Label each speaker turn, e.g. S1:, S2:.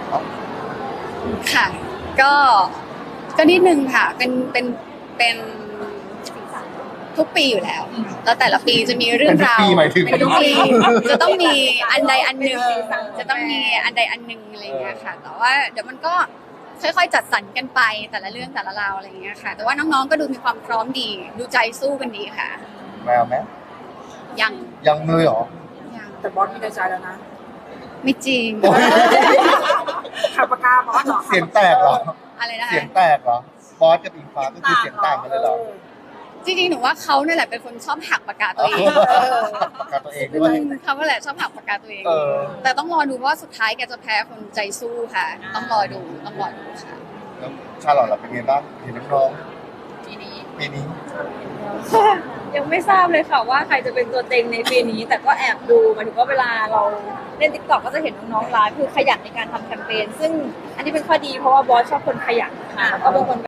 S1: ค่ะก็นิดนึงค่ะเป็นทุกปีอยู่แล้วแล้วแต่ละปีจะมีเรื่องราว
S2: เป็นทุกปีหมายถึง
S1: จะต้องมีอันใดอันหนึ่งจะต้องมีอันใดอันหนึ่งอะไรอย่างเงี้ยค่ะแต่ว่าเดี๋ยวมันก็ค่อยๆจัดสรรกันไปแต่ละเรื่องแต่ละราวอะไรอย่างเงี้ยค่ะแต่ว่าน้องๆก็ดูมีความพร้อมดีดูใจสู้กันดีค่ะ
S2: แมวไหม
S1: ยัง
S2: ยังเลยเหรอ
S1: ยัง
S3: แต่บอสมีในใจแล้วนะ
S1: ไม่จริง
S2: โอ้ย
S3: ขับปากกาบอสเหรอ
S2: เสียงแตกเหรอ
S1: อะไรนะ
S2: เสียง
S1: คะ
S2: แตกเหรอบอสกับอิงฟ้าก็คือเสียงต่างกันเลยเหรอ
S1: จริงๆหนูว่าเขาเนี่ยแหละเป็นคนชอบหักปากกาตัวเอง
S2: ปากกาตัวเองด้วย
S1: เขาก็แหละชอบหักปากกาตัวเอง
S2: เออ
S1: แต่ต้องรอดูว่าสุดท้ายแกจะแพ้คนใจสู้ค่ะ ต้องรอดูค่ะ
S2: แล้วชาลอตเราเป็นไงบ้างเห็นน้อง
S1: ทีนี้
S2: ๆปีนี้
S4: ยังไม่ทราบเลยค่ะว่าใครจะเป็นตัวเต็งในปีนี้ แต่ก็แอบดูหมายถึงว่าเวลาเราเล่นติ๊กต็อกก็จะเห็นน้องๆไลฟ์คือขยันในการทำแคมเปญซึ่งอันนี้เป็นข้อดีเพราะว่าบอสชอบคนขยันค่ะแล้วก็เป็นคน